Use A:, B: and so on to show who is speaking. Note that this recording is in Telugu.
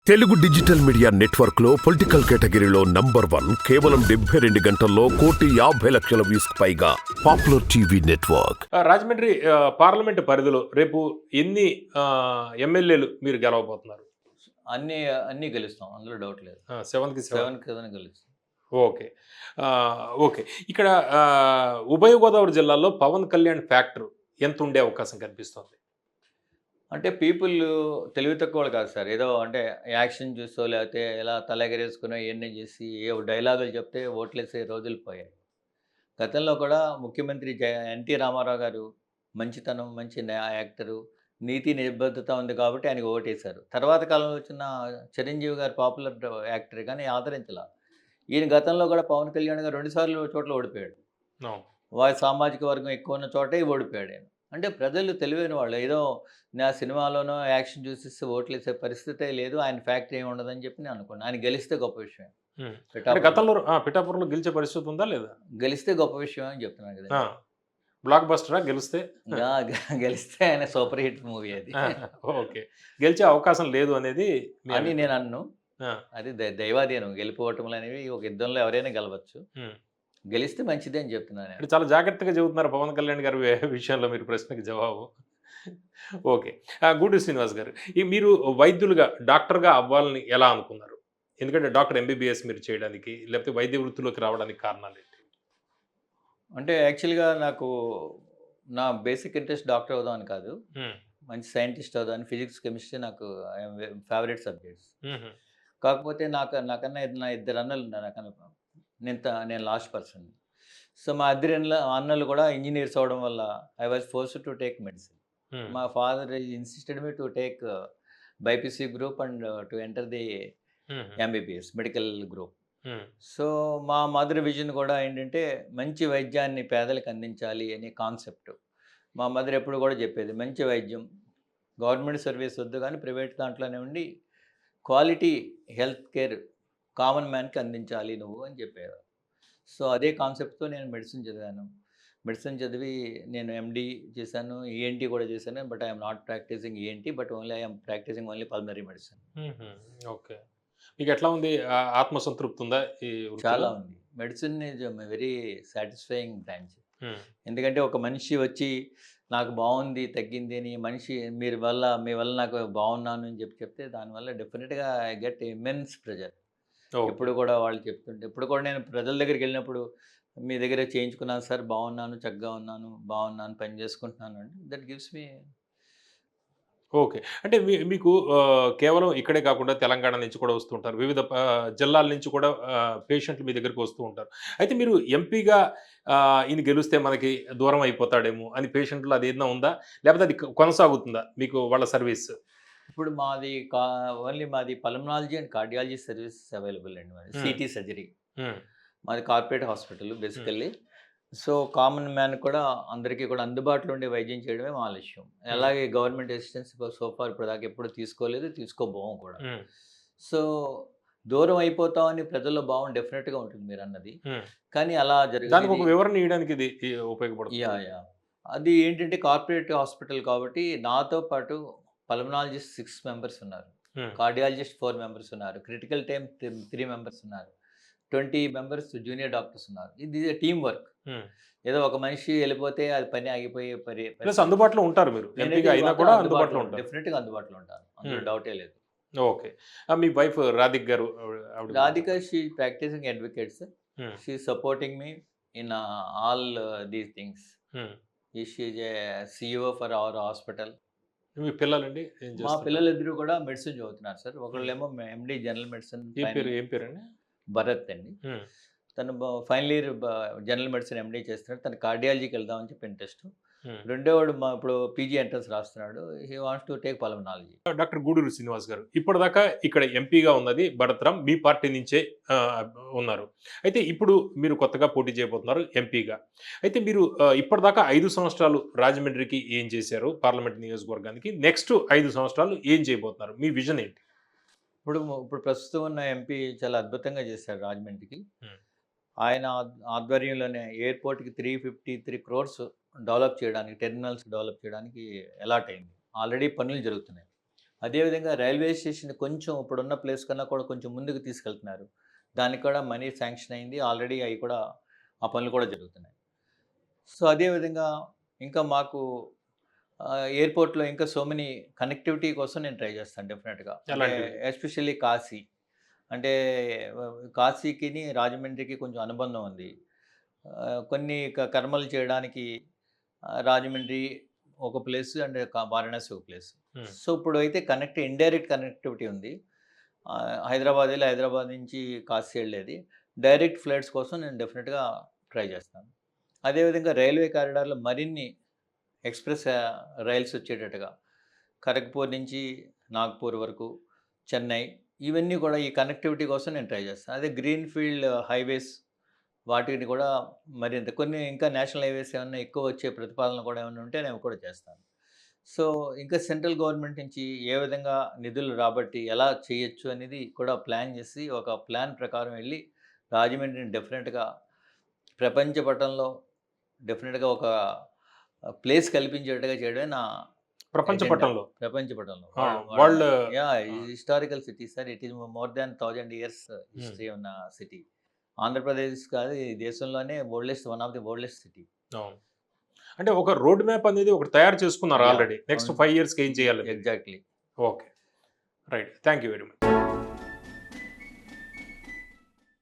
A: తెలుగు డిజిటల్ మీడియా నెట్వర్క్ లో పొలిటికల్ కేటగిరీలో నంబర్ 1 కేవలం 72 గంటల్లో 1,50,00,000 వ్యూస్ పైగా popular TV network.
B: Rajahmundry parliament పరిధిలో రేపు ఎన్ని ఎమ్మెల్యేలు మీరు గెలవబోతున్నారు?
C: అన్నీ అన్నీ గెలుస్తాం. అందులో డౌట్ లేదు.
B: 7కి 7.
C: 7 కదని గెలుస్తాం.
B: ఓకే. ఓకే. ఇక్కడ ఉభయ గోదావరి జిల్లాలో పవన్ కళ్యాణ్ ఫ్యాక్టర్ ఎంత ఉండే అవకాశం కనిపిస్తుంది?
C: అంటే పీపుల్ తెలివి తక్కువలు కాదు సార్. ఏదో అంటే యాక్షన్ చూసో లేకపోతే ఇలా తలెగరేసుకునో ఇయన్నీ చేసి ఏ డైలాగులు చెప్తే ఓట్లేసే రోజులు పోయాయి. గతంలో కూడా ముఖ్యమంత్రి ఎన్టీ రామారావు గారు మంచితనం, మంచి యాక్టరు, నీతి నిబద్ధత ఉంది కాబట్టి ఆయనకు ఓటేశారు. తర్వాత కాలంలో వచ్చిన చిరంజీవి గారు పాపులర్ యాక్టర్ కానీ ఆదరించలా. ఈయన గతంలో కూడా పవన్ కళ్యాణ్ గారు 2 సార్లు చోట్ల ఓడిపోయాడు.
B: అవును.
C: వారి సామాజిక వర్గం ఎక్కువ ఉన్న చోటే ఓడిపోయాడు ఆయన. అంటే ప్రజలు తెలివైన వాళ్ళు. ఏదో నా సినిమాలోనో యాక్షన్ చూసేసి ఓట్లేసే పరిస్థితే లేదు. ఆయన ఫ్యాక్టరీ ఏమి ఉండదని చెప్పి నేను అనుకున్నాను. ఆయన గెలిస్తే గొప్ప విషయం.
B: అంటే గతంలో పిఠాపురంలో గెలిచే పరిస్థితి ఉందా లేదా?
C: గెలిస్తే గొప్ప విషయం అని చెప్తున్నాను కదా.
B: బ్లాక్ బస్టరా గెలిస్తే?
C: గెలిస్తే ఆయన సూపర్ హిట్ మూవీ అది.
B: ఓకే. గెలిచే అవకాశం లేదు అనేది
C: అని నేను అన్ను. అది దైవాధీనం. గెలిపోవటములు అనేవి ఒక యుద్ధంలో ఎవరైనా గెలవచ్చు. గెలిస్తే మంచిదే అని చెప్తున్నాను.
B: అంటే చాలా జాగ్రత్తగా చెబుతున్నారు పవన్ కళ్యాణ్ గారి విషయంలో మీరు ప్రశ్నకి జవాబు. ఓకే. గూడూరు శ్రీనివాస్ గారు, మీరు వైద్యులుగా డాక్టర్గా అవ్వాలని ఎలా అనుకున్నారు? ఎందుకంటే డాక్టర్ ఎంబీబీఎస్ మీరు చేయడానికి లేకపోతే వైద్య వృత్తిలోకి రావడానికి కారణాలు ఏంటి?
C: అంటే యాక్చువల్గా నాకు నా బేసిక్ ఇంట్రెస్ట్ డాక్టర్ అవుదామని కాదు, మంచి సైంటిస్ట్ అవుదామని. ఫిజిక్స్ కెమిస్ట్రీ నాకు ఫేవరెట్ సబ్జెక్ట్స్. కాకపోతే నాకన్నా నా 2 అన్నలు ఉన్నారు. నాకన్నా నేను లాస్ట్ పర్సన్. సో మా అన్నలు కూడా ఇంజనీర్స్ అవడం వల్ల I was forced to take medicine. మా father insisted me to take BiPC group and to enter the MBBS medical group. So మా మదర్ విజన్ కూడా ఏంటంటే మంచి వైద్యాన్ని పేదలకు అందించాలి అనే కాన్సెప్ట్. మా మదర్ ఎప్పుడు కూడా చెప్పేది మంచి వైద్యం, గవర్నమెంట్ సర్వీస్ వద్దు కానీ ప్రైవేట్ దాంట్లోనే ఉండి క్వాలిటీ హెల్త్ కేర్ కామన్ మ్యాన్కి అందించాలి నువ్వు అని చెప్పేవారు. సో అదే కాన్సెప్ట్తో నేను మెడిసిన్ చదివాను. మెడిసిన్ చదివి నేను ఎండి చేశాను, ఈఎన్టీ కూడా చేశాను. But I'm not practising ENT, but only I'm practising only pulmonary medicine.
B: Okay. మీకు ఎట్లా ఉంది? ఆత్మసంతృప్తి ఉందా?
C: చాలా ఉంది. Medicine is very satisfying branch. ఎందుకంటే ఒక మనిషి వచ్చి నాకు బాగుంది, తగ్గింది అని మనిషి మీ వల్ల నాకు బాగున్నాను అని చెప్తే దానివల్ల డెఫినెట్గా ఐ గెట్ ఇమెన్స్ ప్రెజర్. ఇప్పుడు కూడా వాళ్ళు చెప్తుంటే, ఇప్పుడు కూడా నేను ప్రజల దగ్గరికి వెళ్ళినప్పుడు మీ దగ్గర చేయించుకున్నాను సార్, బాగున్నాను, చక్కగా బాగున్నాను, పని చేసుకుంటున్నాను అంటే దట్ గివ్స్ మీ.
B: ఓకే. అంటే మీకు కేవలం ఇక్కడే కాకుండా తెలంగాణ నుంచి కూడా వస్తుంటారు, వివిధ జిల్లాల నుంచి కూడా పేషెంట్లు మీ దగ్గరికి వస్తూ ఉంటారు. అయితే మీరు ఎంపీగా ఈయన గెలిస్తే మనకి దూరం అయిపోతాడేమో అని పేషెంట్లు అది ఏదైనా ఉందా? లేకపోతే అది కొనసాగుతుందా మీకు వాళ్ళ సర్వీస్?
C: ఇప్పుడు ఓన్లీ మాది pulmonology and cardiology services available అండి. మాది సిటీ సర్జరీ. మాది corporate hospital basically. So common man కూడా అందరికీ కూడా అందుబాటులో ఉండే వైద్యం చేయడమే మా లక్ష్యం. అలాగే గవర్నమెంట్ అసిస్టెన్స్ సోఫార్ ఇప్పుడు దాకా ఎప్పుడు తీసుకోలేదు, తీసుకోబోము కూడా. సో దూరం అయిపోతామని ప్రజల్లో భావం డెఫినెట్గా ఉంటుంది మీరు అన్నది. కానీ అలా
B: దానికి ఒక వివరణ ఇవ్వడానికి ఇది ఉపయోగపడుతుంది.
C: అది ఏంటంటే కార్పొరేట్ హాస్పిటల్ కాబట్టి నాతో పాటు పల్మనాలజిస్ట్ 6 మెంబర్స్ ఉన్నారు, కార్డియాలజిస్ట్ 4 మెంబర్స్ ఉన్నారు, క్రిటికల్ టైమ్ 3 మెంబర్స్ ఉన్నారు, 20 మెంబర్స్ జూనియర్ డాక్టర్స్ ఉన్నారు. ఇది టీమ్ వర్క్. ఏదో ఒక మనిషి వెళ్ళిపోతే అది పని ఆగిపోయే
B: అందుబాటులో ఉంటారు. మీరు ఎంపీగా అయినా కూడా అందుబాటులో ఉంటారు.
C: డెఫినెట్గా అందుబాటులో ఉంటారు, అందులో డౌటే లేదు.
B: ఓకే. మీ వైఫ్ రాధిక్ గారు?
C: Radhika she practising advocate sir. She supporting me in all these things. She is a CEO for our hospital.
B: మీ పిల్లలండి?
C: మా పిల్లలిద్దరూ కూడా మెడిసిన్ చదువుతున్నారు సార్. ఒకళ్ళేమో ఎండి జనరల్ మెడిసిన్.
B: ఏం పేరండి?
C: భరత్ అండి. తను final year general medicine MD చేస్తున్నాడు. తను కార్డియాలజీకి వెళ్దామని చెప్పి ఇంట్రెస్ట్. రెండోవాడు ఇప్పుడు పీజీ ఎంట్రన్స్ రాస్తున్నాడు. He wants to take pulmonology.
B: Doctor Guduru Srinivas గారు, ఇప్పటిదాకా ఇక్కడ ఎంపీగా ఉన్నది భరత్రామ్, మీ పార్టీ నుంచే ఉన్నారు. అయితే ఇప్పుడు మీరు కొత్తగా పోటీ చేయబోతున్నారు ఎంపీగా. అయితే మీరు ఇప్పటిదాకా 5 సంవత్సరాలు రాజమండ్రికి ఏం చేశారు, పార్లమెంట్ నియోజకవర్గానికి నెక్స్ట్ 5 సంవత్సరాలు ఏం చేయబోతున్నారు, మీ విజన్ ఏంటి?
C: ఇప్పుడు ప్రస్తుతం ఉన్న ఎంపీ చాలా అద్భుతంగా చేశారు రాజమండ్రికి. ఆయన ఆధ్వర్యంలోనే ఎయిర్పోర్ట్కి 353 crores డెవలప్ చేయడానికి, టెర్మినల్స్ డెవలప్ చేయడానికి అలాట్ అయింది. ఆల్రెడీ పనులు జరుగుతున్నాయి. అదేవిధంగా రైల్వే స్టేషన్ కొంచెం ఇప్పుడున్న ప్లేస్ కన్నా కూడా కొంచెం ముందుకు తీసుకెళ్తున్నారు. దానికి కూడా మనీ శాంక్షన్ అయింది. ఆల్రెడీ అవి కూడా ఆ పనులు కూడా జరుగుతున్నాయి. సో, అదేవిధంగా ఇంకా మాకు ఎయిర్‌పోర్ట్‌లో ఇంకా సో మెనీ కనెక్టివిటీ కోసం నేను ట్రై చేస్తాను డెఫినెట్‌గా. అంటే
B: ఎలాంటివి?
C: ఎస్పెషల్లీ కాశీ. అంటే కాశీకిని, రాజమండ్రికి కొంచెం అనుబంధం ఉంది. కొన్ని కర్మలు చేయడానికి రాజమండ్రి ఒక ప్లేస్ అండ్ వారణాసి ఒక ప్లేస్.
B: హ్మ్.
C: సో, ఇప్పుడైతే ఇండైరెక్ట్ కనెక్టివిటీ ఉంది. హైదరాబాద్ ఎళ్ళి హైదరాబాద్ నుంచి కాశీ ఎళ్ళేది. డైరెక్ట్ ఫ్లైట్స్ కోసం నేను డెఫినెట్‌గా ట్రై చేస్తాను. అదేవిధంగా రైల్వే కారిడార్‌లో మరిన్ని ఎక్స్‌ప్రెస్ రైల్స్ వచ్చేటట్టుగా ఖరగ్‌పూర్ నుంచి నాగ్‌పూర్ వరకు, చెన్నై ఇవన్నీ కూడా ఈ కనెక్టివిటీ కోసం నేను ట్రై చేస్తాను. అదే గ్రీన్‌ఫీల్డ్ హైవేస్ వాటిని కూడా మరింత కొన్ని ఇంకా నేషనల్ హైవేస్ ఏమన్నా ఎక్కువ వచ్చే ప్రతిపాదనలు కూడా ఏమన్నా ఉంటే నేను కూడా చేస్తాను. సో, ఇంకా సెంట్రల్ గవర్నమెంట్ నుంచి ఏ విధంగా నిధులు రాబట్టి ఎలా చేయొచ్చు అనేది కూడా ప్లాన్ చేసి, ఒక ప్లాన్ ప్రకారం వెళ్ళి రాజమండ్రిని డెఫినెట్‌గా ప్రపంచ పటంలో డెఫినెట్‌గా ఒక ప్లేస్ కల్పించేట్టుగా చేయడమే నా
B: ప్రపంచ
C: ఎజెండా.
B: పటంలో.
C: ప్రపంచ పటంలో.
B: Ah! World
C: yeah!
B: Ah!
C: Historical city sir. It is more than 1000 years history ఉన్న సిటీ. ఆంధ్రప్రదేశ్ కాదు, ఈ దేశంలోనే one of the oldest city.
B: అవును. అంటే ఒక రోడ్ మ్యాప్ అనేది ఒకటి తయారు చేసుకున్నారు
C: యాహ్!
B: ఆల్రెడీ. నెక్స్ట్
C: అవును.
B: 5 ఇయర్స్‌కి ఏం చేయాలి?
C: Exactly.
B: Okay. Right. Thank you very much.